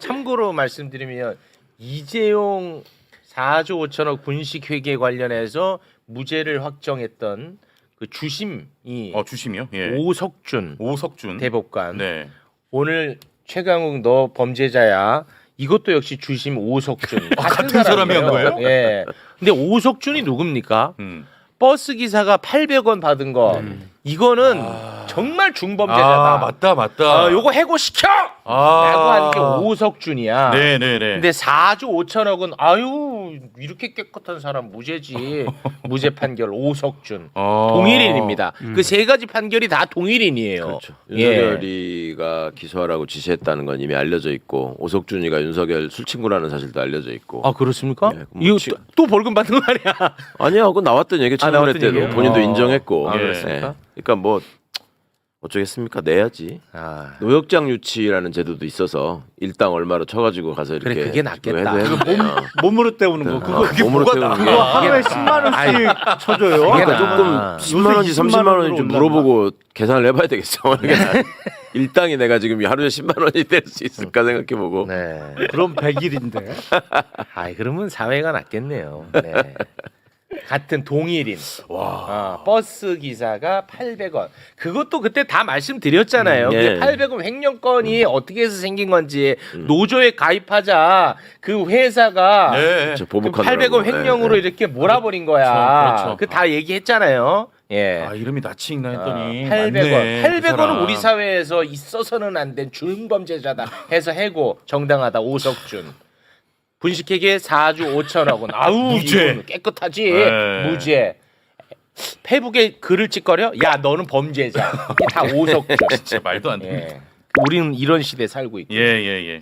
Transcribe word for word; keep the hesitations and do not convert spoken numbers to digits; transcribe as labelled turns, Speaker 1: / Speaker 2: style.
Speaker 1: 참고로 말씀드리면 이재용 사조 오천억 분식회계 관련해서 무죄를 확정했던 그 주심이
Speaker 2: 어 주심이요? 예.
Speaker 1: 오석준
Speaker 2: 오석준
Speaker 1: 대법관
Speaker 2: 네.
Speaker 1: 오늘 최강욱 너 범죄자야. 이것도 역시 주심 오석준
Speaker 2: 아, 같은 사람이 한 거예요?
Speaker 1: 예. 근데 오석준이 누굽니까?
Speaker 2: 음.
Speaker 1: 버스 기사가 팔백 원 받은 거
Speaker 2: 음.
Speaker 1: 이거는
Speaker 2: 아.
Speaker 1: 정말 중범죄자다.
Speaker 2: 아 맞다 맞다.
Speaker 1: 어, 요거 해고시켜!
Speaker 2: 아.
Speaker 1: 라고 하는 게 오석준이야.
Speaker 2: 네네네.
Speaker 1: 근데 사조 오천억은 아유 이렇게 깨끗한 사람 무죄지. 무죄 판결 오석준.
Speaker 2: 어.
Speaker 1: 동일인입니다. 그 세 가지 판결이 다 동일인이에요.
Speaker 3: 그렇죠.
Speaker 1: 예.
Speaker 3: 윤석열이가 기소하라고 지시했다는 건 이미 알려져 있고 오석준이가 윤석열 술친구라는 사실도 알려져 있고.
Speaker 1: 아 그렇습니까?
Speaker 3: 예, 뭐
Speaker 1: 이거
Speaker 3: 치-
Speaker 1: 또, 또 벌금 받는 거 아니야?
Speaker 3: 아니야, 그거 나왔던 얘기
Speaker 1: 아,
Speaker 3: 청문회
Speaker 1: 나왔던
Speaker 3: 때도
Speaker 1: 얘기예요?
Speaker 3: 본인도
Speaker 1: 어.
Speaker 3: 인정했고.
Speaker 1: 아,
Speaker 3: 예.
Speaker 1: 그렇습니까?
Speaker 3: 그러니까 뭐 어쩌겠습니까? 내야지.
Speaker 1: 아.
Speaker 3: 노역장 유치라는 제도도 있어서 일당 얼마로 쳐가지고 가서 이렇게
Speaker 1: 그래, 그게 낫겠다.
Speaker 3: 해도
Speaker 1: 그거
Speaker 3: 해도
Speaker 4: 몸으로 때우는 거 그거
Speaker 3: 그게 몸으로
Speaker 4: 뭐가
Speaker 3: 때우는
Speaker 4: 나-
Speaker 3: 게.
Speaker 4: 그거 하루에
Speaker 1: 그게
Speaker 4: 십만 원씩
Speaker 1: 아이,
Speaker 4: 쳐줘요.
Speaker 1: 그게
Speaker 3: 그러니까
Speaker 1: 나-
Speaker 3: 조금
Speaker 1: 아.
Speaker 3: 십만 원인지
Speaker 4: 요새
Speaker 3: 삼십만 원인지 좀
Speaker 4: 이십만
Speaker 3: 물어보고 계산을 해봐야 되겠어. 일당이 내가 지금 하루에 십만 원이 될 수 있을까 생각해보고.
Speaker 1: 네.
Speaker 4: 그럼 백 일인데.
Speaker 1: 아, 그러면 사회가 낫겠네요. 네. 같은 동일인. 와. 어, 버스 기사가 팔백 원. 그것도 그때 다 말씀드렸잖아요.
Speaker 3: 음, 예.
Speaker 1: 근데 팔백 원 횡령건이 어떻게 해서 생긴 건지 노조에 가입하자 그 회사가
Speaker 2: 네.
Speaker 3: 저
Speaker 1: 그
Speaker 3: 보복하느라고.
Speaker 1: 팔백 원 횡령으로
Speaker 3: 예, 예.
Speaker 1: 이렇게 몰아버린 거야.
Speaker 2: 그렇죠, 그렇죠.
Speaker 1: 그 다 얘기했잖아요. 예.
Speaker 2: 아 이름이 낯이 익나 했더니
Speaker 1: 팔백 원.
Speaker 2: 맞네, 그
Speaker 1: 팔백 원은
Speaker 2: 사람.
Speaker 1: 우리 사회에서 있어서는 안 된 중범죄자다 해서 해고 정당하다 오석준. 분식회계 사조 오천억은 아우
Speaker 2: 무죄.
Speaker 1: 이거는 깨끗하지.
Speaker 2: 네.
Speaker 1: 무죄. 페북에 글을 찍거려? 야 너는 범죄자. 이게 다 오석준.
Speaker 2: 진짜 말도 안 돼.
Speaker 1: 예. 우리는 이런 시대에 살고 있고.
Speaker 2: 예예 예.